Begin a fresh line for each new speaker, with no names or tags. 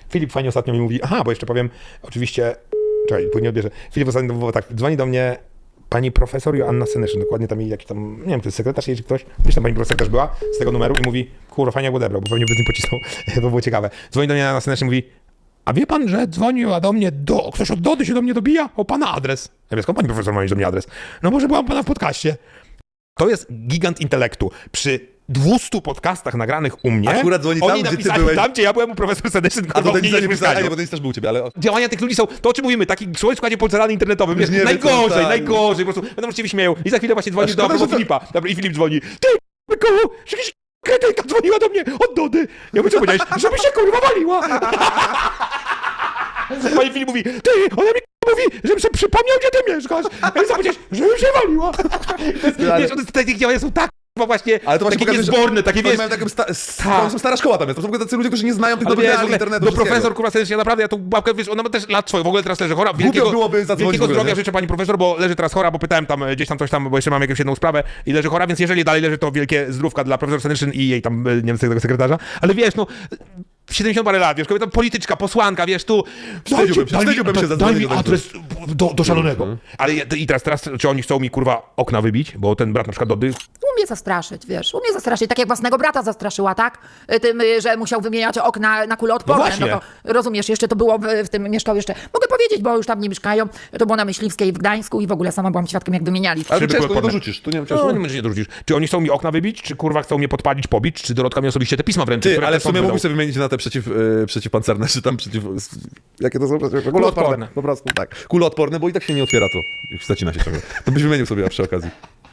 Filip fajnie ostatnio mi mówi, aha, bo jeszcze powiem, oczywiście, czekaj, później odbierze. Filip ostatnio było tak, dzwoni do mnie pani profesor Joanna Senyszyn, dokładnie tam jej jakiś tam, nie wiem, to jest sekretarz jej czy ktoś, gdzieś tam pani profesor też była z tego numeru i mówi, kurwa, fajnie jak odebrał, bo pewnie by z nim pocisnął, to było ciekawe. Dzwoni do mnie Joanna Senyszyn i mówi, a wie pan, że dzwoniła do mnie, ktoś od Dody się do mnie dobija o pana adres. Ja wiem, skąd pani profesor ma mieć do mnie adres? No może byłam pana w podcaście. To jest gigant intelektu. Przy 200 podcastach nagranych u mnie,
Akurat dzwoni tam,
oni
gdzie ty
napisali
byłeś.
Tam, gdzie ja byłem u profesor Senyszyn,
A to
kurwa,
Denis
w
nie pisał, a nie,
mieszkaniu.
bo Denis też był u ciebie, ale...
Działania tych ludzi są, to o czym mówimy, taki w składzie porcelany internetowym, wiesz,
nie wie, co
najgorzej,
tam.
najgorzej, po prostu będą się śmieją. I za chwilę właśnie dzwoni
szkoda,
do
że to-
Filipa. Dobra, i Filip dzwoni. Ty, koło, jakaś kretynka dzwoniła do mnie od Dody. Ja mówię, co powiedziałeś? Żeby się kurwa waliła. Pani Filip mówi, ty, ona mi mówi, żebym sobie przypomniał, gdzie ty mieszkasz. Ja co powiedziałeś? Żeby się waliła. To jest,
Ale-
wiesz, one, te działania są tak kurwa właśnie,
Ale to właśnie
takie
pokazuje, że
niezborne, takie
Oni
wiesz,
mają taką to są stara szkoła tam jest, to są w ogóle tacy ludzie, którzy nie znają tych
ale
nowych
wiesz, w
reali
ogóle,
internetu.
do
wszystkiego.
profesor, kurwa, sensie, ja naprawdę, ja tą babkę, wiesz, ona ma też lat swoich, w ogóle teraz leży chora.
byłoby zadzwonić
Wielkiego
w ogóle,
zdrowia
nie?
życzę pani profesor, bo leży teraz chora, bo pytałem tam gdzieś tam coś tam, bo jeszcze mam jakąś jedną sprawę i leży chora, więc jeżeli dalej leży, to wielkie zdrówka dla profesor Senyszyn i jej tam, nie wiem, tego sekretarza, ale wiesz, no, 70 parę lat, wiesz, kobieta polityczka, posłanka, wiesz, tu...
Wstydziłbym się
daj
zadzwonić
mi
do tego.
adres do szalonego. Ale i teraz, czy oni chcą mi, kurwa, okna wybić, bo ten brat na przykład Dody
Umie zastraszyć, wiesz, umie zastraszyć, tak jak własnego brata zastraszyła, tak? Tym, że musiał wymieniać okna na kuloodporne.
No właśnie.
to rozumiesz, jeszcze to było w tym mieszkał jeszcze, mogę powiedzieć, bo już tam nie mieszkają, to było na Myśliwskiej w Gdańsku i w ogóle sama byłam świadkiem, jak wymieniali.
Ale
Szyby
ty ciężko nie
odporne.
dorzucisz, tu nie wiem
No,
czasu.
nie będziesz nie dorzucić. Czy oni chcą mi okna wybić, czy kurwa chcą mnie podpalić, pobić, czy Dorotka mi osobiście te pisma wręczy,
Ty,
które
ale
ten
w sumie
sąd
mógłbyś
wydał?
sobie wymienić na te przeciwpancerne, czy tam przeciw... Jakie to są? Kuloodporne. Po prostu, tak. Kuloodporne, bo i tak się nie otwiera to. Zacina się ciągle. To byś wymienił sobie przy okazji.